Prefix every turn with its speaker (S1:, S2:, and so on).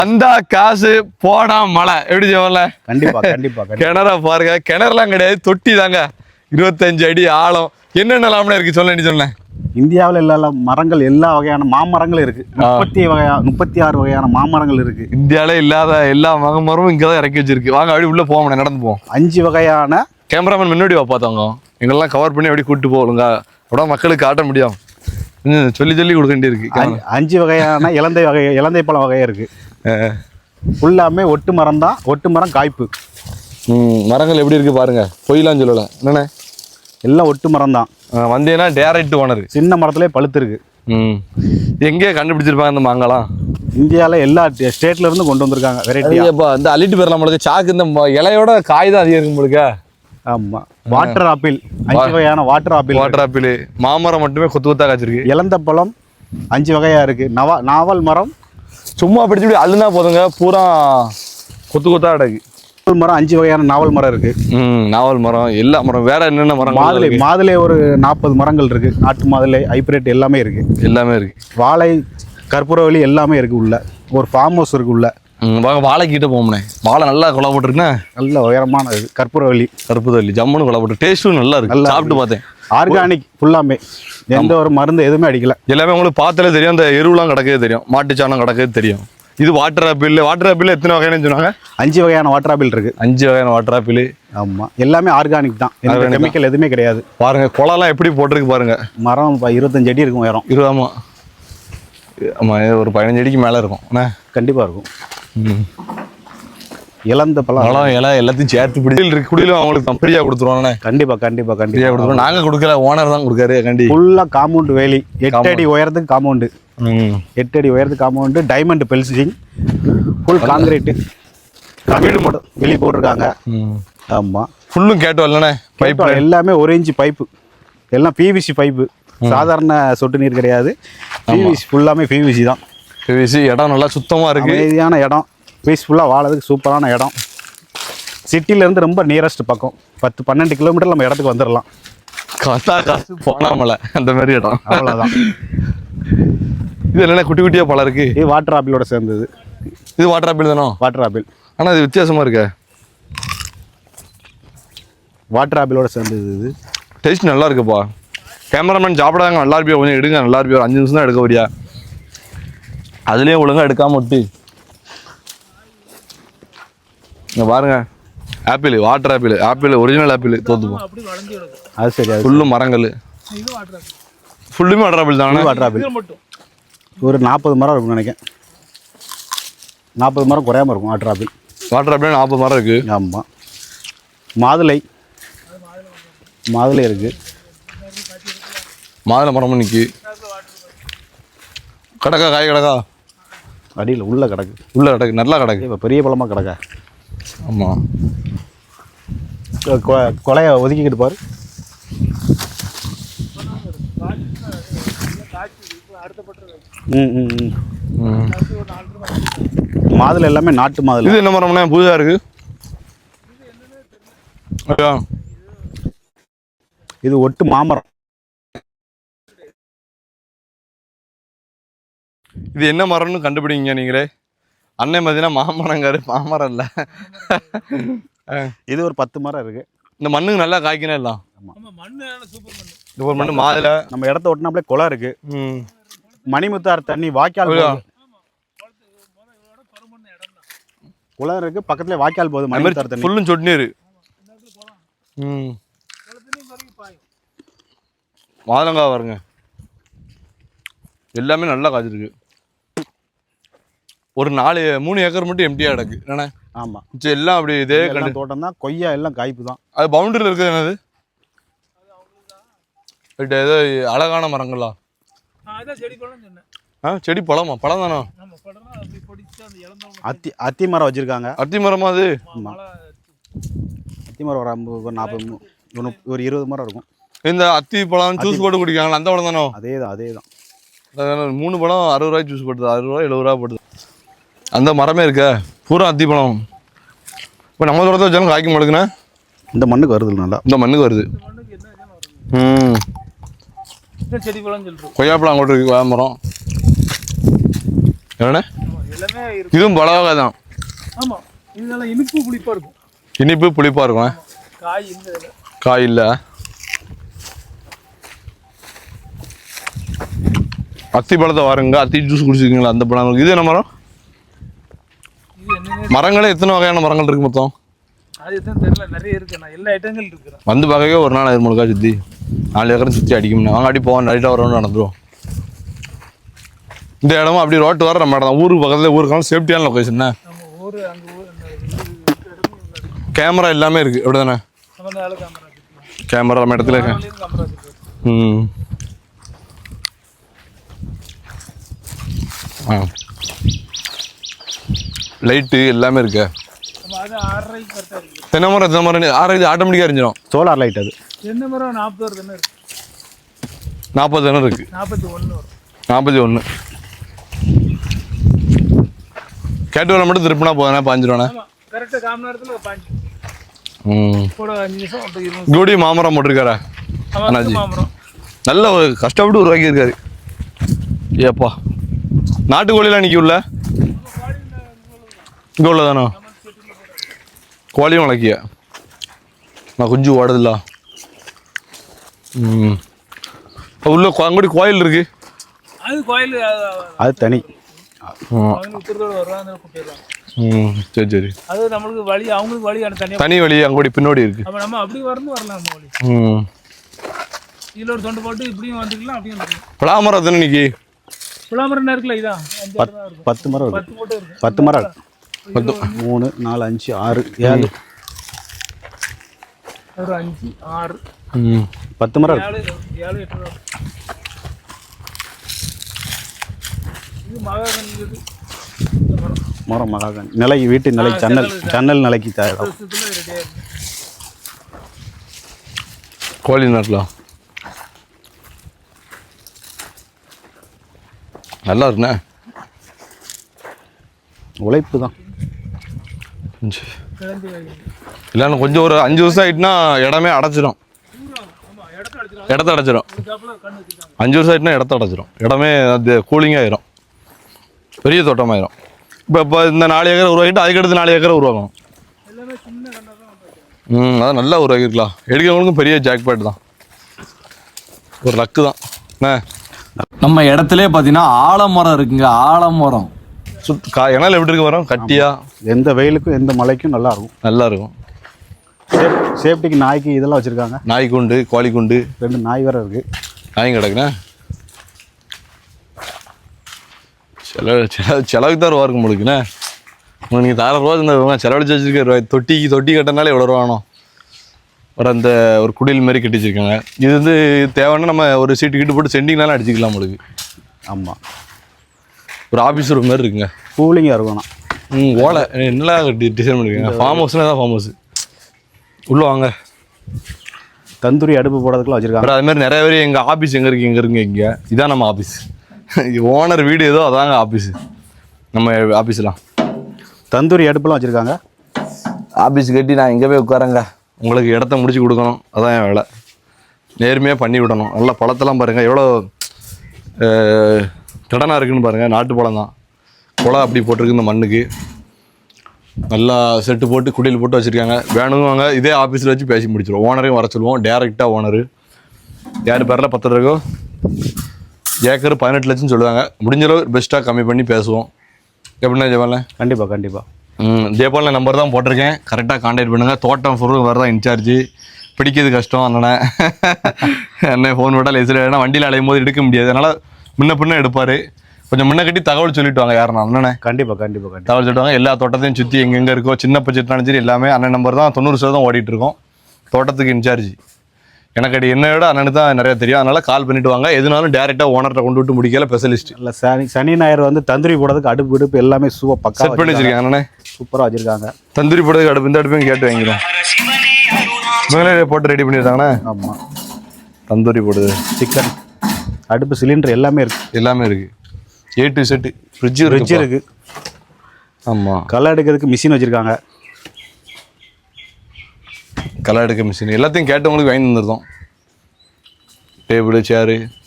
S1: அந்த காசு போனா மழை எப்படி சொல்லல.
S2: கண்டிப்பா கண்டிப்பா.
S1: கிணற பாருங்க, கிணறுலாம் கிடையாது, தொட்டி தாங்க. 25 அடி ஆழம். என்னென்னலாம்னு இருக்கு சொல்ல நீ சொன்னேன்.
S2: இந்தியாவில் எல்லா மரங்கள், எல்லா வகையான மாமரங்களும் இருக்கு. 36 வகையான மாமரங்கள் இருக்கு.
S1: இந்தியாவில இல்லாத எல்லா மரமும் இங்கதான் இறக்கி வச்சிருக்கு. வாங்க அப்படி உள்ள போவோம், நடந்து போவோம்.
S2: 5 வகையான
S1: கேமராமேன் முன்னாடி பார்த்தவங்க எங்கெல்லாம் கவர் பண்ணி அப்படி கூப்பிட்டு போகலுங்க. அப்படியே மக்களுக்கு காட்ட முடியும். சொல்லி சொல்லி கொடுக்க வேண்டியிருக்கு.
S2: 5 வகையான இலந்தை பழம் வகை இருக்கு. ஃபுல்லாமே ஒட்டு மரம் தான். ஒட்டு மரம் காய்ப்பு.
S1: மரங்கள் எப்படி இருக்கு பாருங்க, பொய்லாம் சொல்லல. என்னண்ணே
S2: எல்லாம் ஒட்டு மரம் தான்.
S1: வந்தீங்கன்னா டேரக்ட் ஓனர்.
S2: சின்ன மரத்திலே பழுத்து இருக்கு.
S1: எங்கேயே கண்டுபிடிச்சிருப்பாங்க இந்த மாங்கலாம்.
S2: இந்தியாவில் எல்லா ஸ்டேட்ல இருந்து கொண்டு வந்திருக்காங்க வெரைட்டியா.
S1: இந்த அள்ளிட்டு போயிடலாம் நம்மளுக்கு. சாக்கு இந்த இலையோட காய் தான் அதிகம் இருக்கும் உங்களுக்கு.
S2: ஆமா. வாட்டர் ஆப்பிள், 5 வகையான வாட்டர் ஆப்பிள்.
S1: மாமரம் மட்டுமே கொத்து கொத்தா காய்ச்சிருக்கு.
S2: இலந்த பழம் 5 வகையா இருக்கு. நாவல் மரம்
S1: சும்மா பிடிச்சி அள்ளுனா போதுங்க, பூரா கொத்து கொத்தா கிடக்கு.
S2: மரம் 5 வகையான நாவல் மரம் இருக்கு.
S1: நாவல் மரம், எல்லா மரம். வேற என்னென்ன மரம்?
S2: மாதுளை ஒரு 40 மரங்கள் இருக்கு. நாட்டு மாதுளை, ஹைபிரிட் எல்லாமே இருக்கு. வாழை, கற்பூரவள்ளி எல்லாமே இருக்கு. உள்ள ஒரு ஃபார்ம் ஹவுஸ் இருக்கு. உள்ள
S1: வாழை கிட்ட போகணும்னே. வாழை நல்லா கொலை போட்டுருக்குண்ணே.
S2: நல்ல உயரமான கற்பூரவள்ளி
S1: ஜம்முன்னு கொலை போட்டு டேஸ்ட்டும் நல்லா இருக்கு. நல்லா சாப்பிட்டு பார்த்தேன்.
S2: ஆர்கானிக் ஃபுல்லாமே. எந்த ஒரு மருந்து எதுவுமே அடிக்கல.
S1: எல்லாமே உங்களுக்கு பார்த்தாலே தெரியும். அந்த எருவுலாம் கிடக்கவே தெரியும், மாட்டுச்சாணம் கிடக்கவே தெரியும். இது வாட்டர் ஆப்பிள் எத்தனை வகைன்னு சொன்னாங்க?
S2: 5 வகையான வாட்டர் ஆப்பிள் இருக்கு.
S1: 5 வகையான வாட்டர் ஆப்பிள்.
S2: ஆமா. எல்லாமே ஆர்கானிக் தான். கெமிக்கல் எதுவுமே கிடையாது. பாருங்க
S1: குளம்லாம் எப்படி போட்டிருக்கு பாருங்க.
S2: மரம் 25 அடி இருக்கும் உயரம்.
S1: ஆமா ஆமா, ஒரு 15 அடிக்கு மேல இருக்கும்.
S2: கண்டிப்பா இருக்கும். இலந்த பழம்
S1: இலை எல்லாத்தையும் சேர்த்து பிடிச்சி குடியிலும் அவங்களுக்கு ஃப்ரீயா கொடுத்துருவாங்கண்ணே.
S2: கண்டிப்பா கொடுத்துருவோம்.
S1: நாங்க கொடுக்கல, ஓனர் தான் கொடுக்காரு.
S2: ஃபுல்லா காம்பவுண்ட் வேலி. 8 அடி உயரத்துக்கு காம்பவுண்டு. 8 அடி உயரத்துக்கு காம்பவுண்டு. டைமண்ட் பெல்சிங், ஃபுல் காங்கிரீட். வீடு மட்டும் வெளியே போட்டிருக்காங்க. ஆமா.
S1: ஃபுல்லும் கேட்டு வரலண்ணே.
S2: பைப் எல்லாமே 1 இன்ச் பைப்பு. எல்லாம் பிவிசி பைப்பு. சாதாரண சொட்டு நீர் கிடையாது. பிவிசி ஃபுல்லாமே பிவிசி தான்.
S1: பிவிசி. இடம் நல்லா சுத்தமா இருக்கு.
S2: அமைதியான இடம். பீஸ்ஃபுல்லாக வாழறதுக்கு சூப்பரான இடம். சிட்டிலேருந்து ரொம்ப நியரஸ்ட் பக்கம். 10-12 கிலோமீட்டர் நம்ம இடத்துக்கு வந்துடலாம்.
S1: காசு போனாமல அந்த மாதிரி இடம்.
S2: அவ்வளோதான்.
S1: இது என்ன குட்டி குட்டியாக பழம் இருக்கு?
S2: இது வாட்டர் ஆப்பிளோட சேர்ந்தது.
S1: இது வாட்டர் ஆப்பிள் தானோ?
S2: Water apple.
S1: ஆனால் இது வித்தியாசமாக இருக்கு.
S2: வாட்டர் ஆப்பிளோட சேர்ந்தது. இது
S1: டேஸ்ட் நல்லா இருக்குப்பா. கேமராமேன் சாப்பிடாங்க. நல்லா இருப்பியா? கொஞ்சம் எடுங்க. நல்லா இருப்பியா? ஒரு 5 நிமிஷம் தான் எடுக்க வரியா? அதுலேயே ஒழுங்காக எடுக்காம விட்டு இங்கே பாருங்க. Apple, water apple original apple தோத்துப்போம்.
S2: அது சரி.
S1: ஃபுல்லும் மரங்கள். ஃபுல்லுமே வாட்டர் ஆப்பிள் தானே?
S2: வாட்டர் ஆப்பிள் ஒரு 40 மரம் இருக்கும்னு நினைக்கிறேன். 40 மரம் குறையாம இருக்கும். வாட்டர் ஆப்பிள்
S1: 40 மரம் இருக்கு.
S2: ஆமாம். மாதுளை இருக்கு.
S1: மாதுளை மரமும் நிற்கி கிடக்கா. காய் கிடக்கா
S2: அடியில் உள்ள கிடக்கு. நல்லா கிடக்கு. இப்போ பெரிய பழமாக கிடக்கா.
S1: ஆமாம்.
S2: கொலையை ஒதுக்கிக்கிட்டு பாரு. மாதுளை எல்லாமே நாட்டு மாதுளை.
S1: இது என்ன மரம்னா புதுசாக இருக்கு?
S2: இது ஒட்டு மாமரம்.
S1: இது என்ன மரம்னு கண்டுபிடிங்க நீங்களே. அண்ணன் பார்த்தீங்கன்னா மாமரங்காரு. மாமரம் இல்லை.
S2: இது ஒரு 10 மரம் இருக்கு.
S1: இந்த மண்ணுக்கு நல்லா காய்க்கணும் எல்லாம். சூப்பர் மண்ணு. மாதுளை.
S2: நம்ம இடத்த ஒட்டினாப்லே குளம் இருக்கு. மணிமுத்தார் தண்ணி வாய்க்கால் குளம் இருக்கு. பக்கத்துல வாய்க்கால் போகுது. மணிமுத்தார் தண்ணி
S1: ஃபுல்லும் சொட்டு நீர். மாதுளங்காய் வருங்க. எல்லாமே நல்லா காய்ச்சிருக்கு. ஒரு 3 ஏக்கர் மட்டும் எம்டியா கிடக்கு. என்னண்ணே?
S2: ஆமா.
S1: எல்லாம் அப்படி இதே
S2: தோட்டம் தான். கொய்யா எல்லாம் காய்ப்பு தான்.
S1: அது பவுண்டரியில் இருக்குது. என்னது ஏதோ அழகான மரங்களா? செடி பழமா? பழம் தானோ?
S2: அத்தி மரம் வச்சிருக்காங்க.
S1: அத்தி மரமா அது?
S2: அத்தி மரம் ஒரு 40 ஒரு 20 மரம் இருக்கும்.
S1: இந்த அத்தி பழம் ஜூஸ் போட்டு குடிக்காங்களா? அந்த பழம் தானோ?
S2: அதேதான்.
S1: 3 பழம் 60 ரூபாய்க்கு ஜூஸ் போட்டுது. 60 ரூபா 70 ரூபா போட்டுது. அந்த மரமே இருக்க பூரா அத்தி பழம். இப்போ நம்ம தோட்டத்தை வச்சாலும் காய்க்க மாட்டேங்குண்ணே.
S2: இந்த மண்ணுக்கு வருது. நல்லா
S1: இந்த மண்ணுக்கு வருது. கொய்யாப்பழம் அங்கோட்டு இருக்கு. மரம் என்னண்ணே?
S3: எல்லாமே இருக்கு.
S1: இதுவும் பல வகை தான்.
S3: ஆமா, இதெல்லாம் இனிப்பு புளிப்பா இருக்கும்.
S1: இனிப்பு புளிப்பாக இருக்கும்.
S3: காய் இல்லை,
S1: காய் இல்லை. அத்தி பழத்தை வாருங்க, அத்தி ஜூஸ் குடிச்சிருக்கீங்களா? அந்த பழம் இது என்ன மரம்?
S3: இது என்னன்னு
S1: மரங்களே எத்தனை வகையான மரங்கள் இருக்கு மொத்தம்?
S3: அது எதுவும் தெரியல, நிறைய இருக்கு. நான் எல்லா ஐட்டங்கள் இருக்கிறேன்.
S1: வந்து பார்க்கவே ஒரு நாள் 5 சுற்றி 4 ஏக்கரும் சுற்றி அடிக்கும்னா வாங்க அடி போவோம், நைட்டாக வரணும்னு நடந்துருவோம். இந்த இடமும் அப்படி ரோட்டு வர நம்ம இடம் தான். ஊருக்கு பக்கத்தில் ஊருக்கான சேஃப்டியான லொக்கேஷன்.
S3: நம்ம ஊர் அங்கே
S1: கேமரா எல்லாமே இருக்குது அப்படி தானே? கேமரா நம்ம இடத்துல ம் ஆ லைட்டு எல்லாமே இருக்கு. தென்னை மரம் 6 ஆட்டோமேட்டிக்காக எரிஞ்சிடும்.
S2: சோலார் லைட் அது.
S3: தென்னை மரம் 40 தென்னை இருக்கு.
S1: 40 தென்னை இருக்கு.
S3: 41 வரும்.
S1: 41 கேட்டு வர மட்டும் திருப்பினா போதும். 5 ரூபாண்ணே.
S3: கரெக்டாக 1/4 மணி நேரத்தில் 5 கூட 5 நிமிஷம் 20.
S1: கூடி மாமரம் போட்டிருக்காரா அண்ணாஜி? நல்ல ஒரு கஷ்டப்பட்டு உருவாக்கி இருக்காரு. ஏப்பா நாட்டுக்கோழிலாம் நிற்க உள்ள இங்கே உள்ளதானோ? கோழியும் வளர்க்கிய நான் குஞ்சு ஓடுதில்ல. உள்ள அங்கூடி கோயில் இருக்கு.
S3: அது கோயில்,
S2: அது தனி.
S1: சரி சரி.
S3: அது நம்மளுக்கு வழி, அவங்களுக்கு வழி
S1: தனி வழி அங்கோடி பின்னோடி இருக்கு.
S3: அப்ப நம்ம அப்படி வரலாம் நம்ம வழி. இதுல ஒரு தொண்டு போட்டு இப்படியும் வந்துக்கலாம், அப்படியும் வந்துக்கலாம்.
S1: பலாமரம் எத்தனை நிக்கி?
S3: பலாமரம் இருக்குல்ல, இதான்
S2: 10 மரம் இருக்கு.
S3: 10 போட்டு இருக்கு.
S2: 10 மரம் இருக்கு. 3 4 5 6 7
S3: ஒரு 5 6
S2: 10 மரம் இருக்கு.
S3: 7 8 ரூபா. இது மகாகனி. இது
S2: மரம் மகாகனி. நிலை வீட்டு நிலை ஜன்னல் நிலைக்கு தேவை.
S1: கோழி நாட்டலாம் நல்லா இருக்குண்ணே.
S2: உழைப்பு தான்.
S1: இல்லைன்னா கொஞ்சம் ஒரு 5 வருஷம் ஆகிட்டுனா இடமே அடைச்சிடும். இடத்த அடைச்சிடும். 5 வருஷம் ஆகிட்டுனா இடத்த அடைச்சிடும். இடமே அது கூலிங்காக ஆயிரும். பெரிய தோட்டமாயிரும். இப்போ இந்த 4 ஏக்கரை உருவாக்கிட்டு அதுக்கடுத்து 4 ஏக்கரை உருவாக்கணும். அதான் நல்லா உருவாக்கிருக்கலாம். எடுக்கிறவங்களுக்கும் பெரிய ஜாக்பாட் தான். ஒரு லக்கு தான். என்ன
S4: நம்ம இடத்துல பார்த்தீங்கன்னா ஆலமரம் இருக்குங்க. ஆலமரம்
S1: இணையில் எப்படி இருக்கு மரம்? கட்டியா
S2: எந்த வெயிலுக்கும் எந்த மழைக்கும் நல்லா இருக்கும்.
S1: நல்லா இருக்கும்.
S2: சேஃப்டிக்கு நாய்க்கு இதெல்லாம் வச்சுருக்காங்க.
S1: நாய் குண்டு, கோழி குண்டு,
S2: 2 நாய் வேறு இருக்குது.
S1: நாயும் கிடக்குண்ணே. செலவுக்கு தான் ரூபா இருக்கும் உங்களுக்குண்ணே. நீங்கள் 1000 ரூபா இந்த செலவழிச்சு வச்சுருக்க. தொட்டி கட்டினாலே எவ்வளோ ரூபா வேணும்? அந்த ஒரு குடில் மாதிரி கட்டி வச்சுருக்காங்க. இது வந்து தேவைன்னா நம்ம ஒரு சீட்டு கிட்டு போட்டு சென்டிங்னாலும் அடிச்சிக்கலாம் உங்களுக்கு.
S2: ஆமாம்,
S1: ஒரு ஆஃபீஸ் ரூம் மாதிரி இருக்குங்க.
S2: கூலிங்காக இருக்கணும்.
S1: ஓலை நல்லா டிசைன் பண்ணிருக்காங்க. ஃபார்ம் ஹவுஸ்னா தான் ஃபார்ம் ஹவுஸ். உள்ளே வாங்க.
S2: தந்தூரி அடுப்பு போடுறதுக்குலாம் வச்சுருக்காங்க.
S1: அது மாதிரி நிறைய பேர் எங்கள் ஆஃபீஸ் எங்கே இருக்குங்க இங்கே இதான் நம்ம ஆஃபீஸ். ஓனர் வீடு ஏதோ அதாங்க ஆஃபீஸு. நம்ம ஆஃபீஸ்லாம்
S2: தந்தூரி அடுப்புலாம் வச்சுருக்காங்க.
S1: ஆஃபீஸ் கட்டி நான் எங்கே போய் உட்காரங்க. உங்களுக்கு இடத்த முடிச்சு கொடுக்கணும், அதான் என் வேலை. நேர்மையாக பண்ணி விடணும். நல்லா பழத்தெல்லாம் பாருங்கள் எவ்வளோ கடனாக இருக்குதுன்னு பாருங்கள். நாட்டு பழம் தான். குளம் அப்படி போட்டிருக்கு இந்த மண்ணுக்கு. நல்லா செட்டு போட்டு குடியில் போட்டு வச்சுருக்காங்க. வேணுங்க இதே ஆஃபீஸில் வச்சு பேசி முடிச்சிடுவோம். ஓனரையும் வர சொல்லுவோம். டேரெக்டாக ஓனரு யார் பேரில் 10 ரூபா ஏக்கர் 18 லட்சம்னு சொல்லுவாங்க. முடிஞ்சளவு பெஸ்ட்டாக கம்மி பண்ணி பேசுவோம். எப்படின்னா ஜெயபாலண்ணே?
S2: கண்டிப்பாக
S1: ஜெயபாலண்ணே நம்பர் தான் போட்டிருக்கேன். கரெக்டாக கான்டாக்ட் பண்ணுங்கள். தோட்டம் பொருள் வேறு தான் இன்சார்ஜ். பிடிக்கிறது கஷ்டம். அண்ணனை அண்ணன் ஃபோன் போட்டால் லேசில் ஏன்னா வண்டியில் அலையும் போது எடுக்க முடியாது. அதனால் முன்ன பின்ன எடுப்பார். கொஞ்சம் முன்ன கட்டி தகவல் சொல்லிட்டு வாங்க. யாருன்னா அண்ணனே
S2: கண்டிப்பாக
S1: தகவல் சொல்லிட்டு வாங்க. எல்லா தோட்டத்தையும் சுற்றி எங்கெங்கே இருக்கோ சின்ன பட்ஜெட்னாலும் சரி எல்லாமே அண்ணன் நம்பர் தான். 90% ஓடிட்டுருக்கோம். தோட்டத்துக்கு இன்சார்ஜ் எனக்கு அடி என்னை விட அண்ணனுக்கு தான் நிறையா தெரியும். அதனால் கால் பண்ணிவிட்டு வாங்க. எதுனாலும் டேரெக்டாக ஓனர்கிட்ட கொண்டு விட்டு முடிக்கல ஸ்பெஷலிஸ்ட்.
S2: இல்லை சனி ஞாயிறு வந்து தந்தூரி போடுறதுக்கு அடுப்பு எல்லாமே பக்கா
S1: செட் பண்ணி வச்சுருக்கேன். அண்ணனே
S2: சூப்பராக வச்சுருக்காங்க.
S1: தந்தூரி போடுறதுக்கு அடுப்பு இந்த அடுப்பையும் கேட்டு வாங்கிடும். இவங்களே போட்டு ரெடி பண்ணியிருக்காங்கண்ணே.
S2: ஆமாம்,
S1: தந்தூரி போடுது,
S2: சிக்கன் அடுப்பு, சிலிண்டர் எல்லாமே இருக்குது.
S1: எல்லாமே இருக்குது. A to Z. ஃப்ரிட்ஜ் இருக்குது. ஆமாம்,
S2: களை எடுக்கிறதுக்கு மிஷின் வச்சுருக்காங்க.
S1: களை எடுக்க மிஷின் எல்லாத்தையும் கேட்டவங்களுக்கு வாங்கி வந்துருந்தோம். டேபிள், சேரு